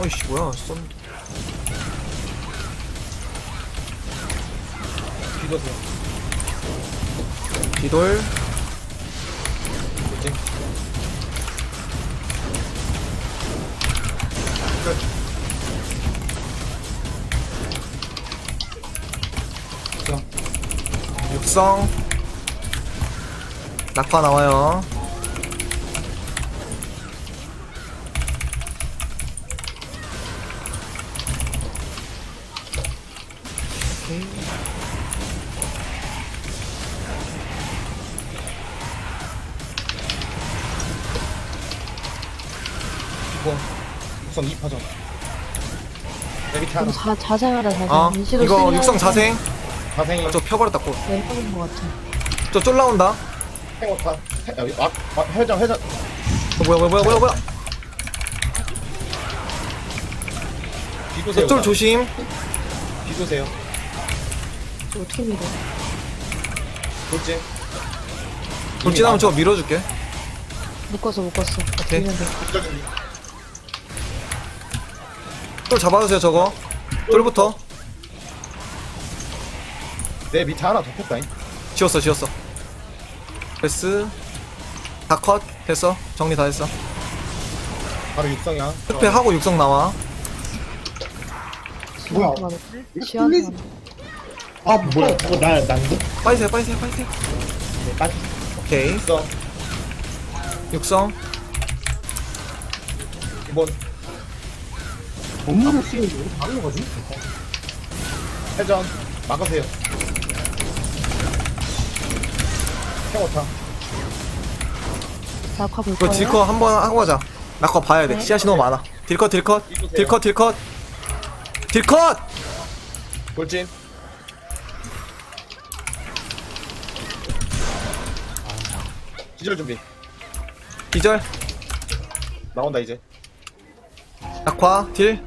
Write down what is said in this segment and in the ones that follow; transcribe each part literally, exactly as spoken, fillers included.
아이씨 뭐야 쏜 뒤도세요. 뒤돌 뭐지? 자, 육성 낙파 나와요. 오케이. 이거 우선 이 파전. 내 밑에 하나. 자, 자생하라 자생. 어 인시도 이거 쓰면 육성 자생. 자생이 저 펴버렸다 고 네, 해본 것 같아. 저 쫄 나온다. 행오타. 여기 아, 아, 회전 회전. 어, 뭐야 뭐야 뭐야 뭐야 뭐야. 뒤도세요. 쫄 조심. 뒤도세요. 저 어떻게 믿어? 돌진. 돌진하면 저거 밀어줄게. 묶었어 묶었어. 오케이. 밀면 돼. 뒤져준비. 쫄 잡아주세요 저거. 쫄부터. 내 밑에 하나 더 폈다잉. 지웠어 지웠어. 패스. 다 컷. 됐어. 정리 다 했어. 바로 육성이야. 흑패 하고 육성 나와. 뭐야? 지원. 아 뭐야 저거 나 난데? 빠지세요 빠지세요 빠지세요. 네, 빠지. 오케이. 육성. 육성. 이번 업무를 쓰는 게 다른 거지? 회전. 막으세요. 행오타. 낙화 볼 이거 거예요? 딜컷 한번 하고 가자. 낙화 봐야 돼. 네. 씨앗이 너무 많아. 딜컷 딜컷. 이거세요. 딜컷 딜컷. 딜컷! 돌진. 기절 준비. 기절. 나온다 이제. 낙화 딜.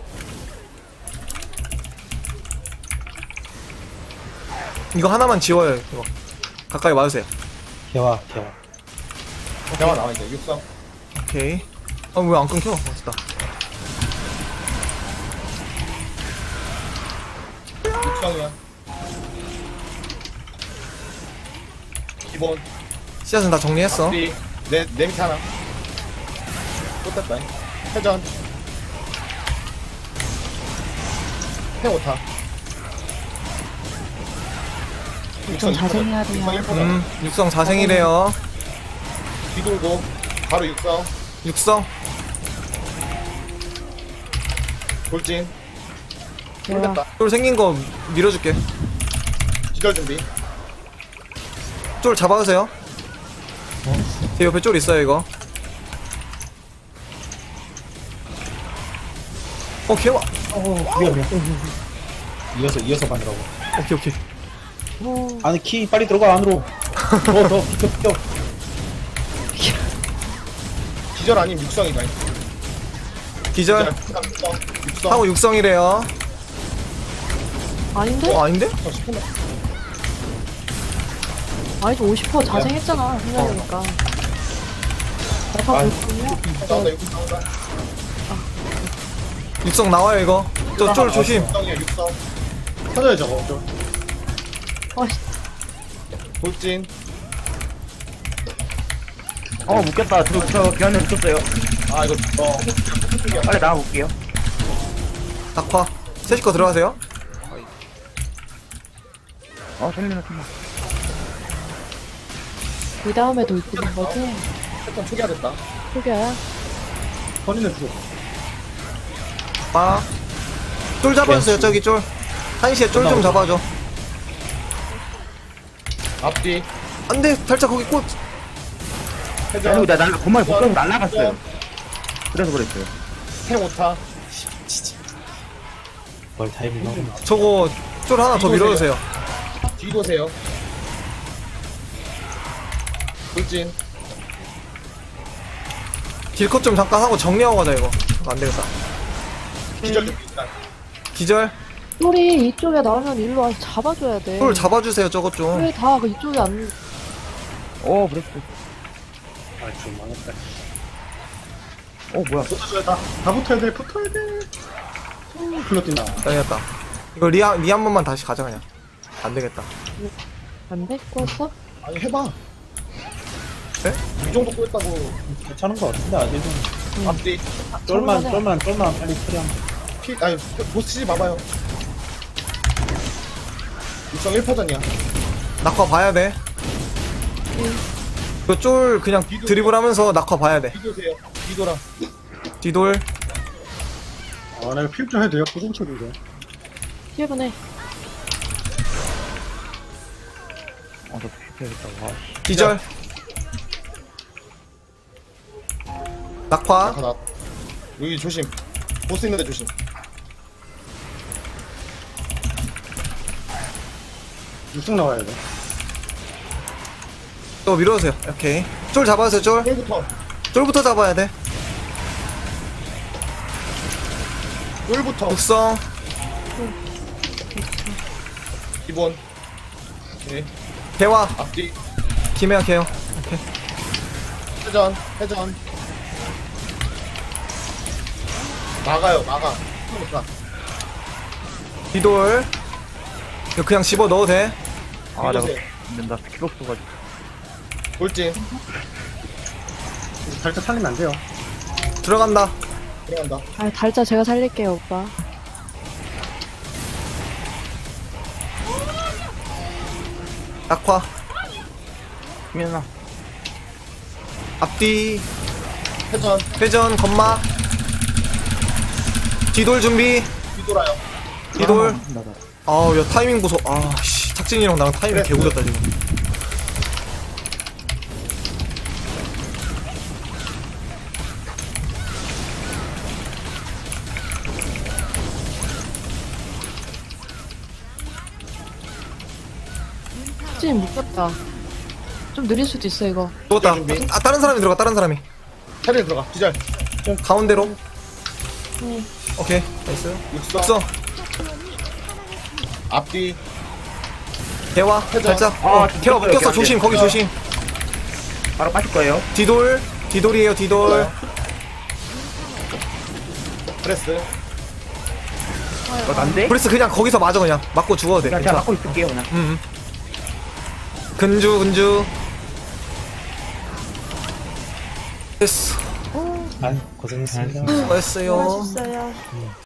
이거 하나만 지워요. 이거 가까이 와주세요. 개와 개와. 대화 나와 이제. 육성. 오케이. 아 왜 안 끊겨? 멋있다. 육성이야. 기본. 씨앗은 다 정리했어. 앞뒤. 내, 내 밑에 하나. 또 땄다. 회전. 해오타. 좀 자생해야 돼요. 육성 일 퍼센트. 음 육성 자생이래요. 뒤돌고. 바로 육성. 육성. 돌진. 제가 돌렸다. 쫄 생긴 거 밀어줄게. 기절 준비. 쫄 잡아주세요. 제 옆에 쫄 있어요 이거. 어 개와. 어 위험해. 이어서 이어서 가느라고. 오케이 오케이. 오, 안에 키 빨리 들어가 안으로. 더더 비켜 비켜. 기절 아니면 육성이다. 기절. 육성. 육성. 하고 육성이래요. 아닌데? 어 아닌데? 육성 십 분. 아니지 오십 퍼센트 자생했잖아 생각해보니까. 낙화 아. 볼 거예요? 나온다 육성 나온다. 육성 나와요 이거. 저 쫄 조심. 육성이야 육성. 터져요 저거. 저. 아씨, 돌진. 어 묶였다. 저, 저 기한에 묶였어요. 아 이거 어. 빨리 나가볼게요. 낙화. 셋이 거 들어가세요. 어 살리나 살리나. 그 다음에 돌 뜨는 거지? 패턴 초기화됐다. 소개야? 허리는 줘. 빠. 쫄 잡아주세요 저기 쫄. 한시에 쫄 좀 잡아줘. 앞뒤. 안돼 살짝 거기 꽂. 회전. 아니 나 날라 건말 복도로 날라갔어요. 그래서 그랬어요. 해오타. 뭘 타이밍 나오나. 저거 쫄 하나 더 밀어주세요. 뒤도세요. 돌진. 딜컷 좀 잠깐 하고 정리하고 가자 이거. 이거 안 되겠다. 기절 준비 일단. 기절. 쫄이 이쪽에 나오면 일로 와서 잡아줘야 돼. 쫄 잡아주세요 저거 좀. 왜 다 그 이쪽에 안, 어 그랬어. 아좀 망했다. 어 뭐야? 붙어줘야 다, 다 붙어야 돼, 붙어야 돼. 음, 글로 뛴다. 당했다. 이거 리아 리 한 번만 다시 가자 그냥. 안 되겠다. 안 돼? 꼬였어? 아니 해봐. 네? 이 정도 꼬였다고. 괜찮은 거 같은데, 아직은. 앞뒤 쫄만, 잡을만해. 쫄만, 쫄만 빨리 처리하면. 피 아니 보스지 봐봐요. 육성 일 퍼전이야. 낙화 봐야 돼. 이거 쫄 그냥 드리블하면서 낙화 봐야 돼. 비교세요. 비도랑. 뒤돌. 아, 나 이거 피흡 좀 해도 돼요? 고정 처리 이거. 일 분 해. 어저 피해야겠다. 와. 기절. 낙화. 하나. 여기 조심. 보스 있는데 조심. 육성 나와야 돼. 또 밀어주세요. 오케이. 쫄 잡아주세요. 쫄. 쫄부터. 쫄부터 잡아야 돼. 쫄부터. 독성. 기본. 네. 개화. 앞뒤. 김해야 개요. 오케이. 회전. 회전. 막아요. 막아. 가. 뒤돌. 이거 그냥 집어 넣어도 돼. 아 내가 비교세요. 안 된다. 스킬 없어가지고. 돌진. 살짝 살리면 안 돼요. 들어간다. 들어간다. 아, 달자 제가 살릴게요, 오빠. 낙화. 김연아. 앞뒤. 회전. 회전. 건마. 뒤돌 준비. 뒤돌아요. 뒤돌. 나다. 아우 야 타이밍 보소. 아 씨. 탁진이랑 나랑 타이밍 그래. 개구렸다 지금. 진 묶였다. 좀 느릴 수도 있어, 이거. 죽었다. 준비. 아 다른 사람이 들어가. 다른 사람이. 차례 들어가. 기절. 가운데로. 응. 오케이. 나이스. 육성. 독성. 앞뒤. 개화. 회전. 살짝. 아, 어, 진짜 개화 여기 묶였어. 안 돼. 조심. 거기 조심. 바로 빠질 거예요. 뒤돌. 뒤돌이에요. 뒤돌. 프레스. 이거 안 돼? 브레스 그냥 거기서 맞아 그냥. 맞고 죽어도 돼. 그냥 제가 괜찮아. 막고 있을게요 그냥. 음. 음. 근주 근주. 됐어. 아, 고생했습니다. 수고했어요. 수고하셨어요.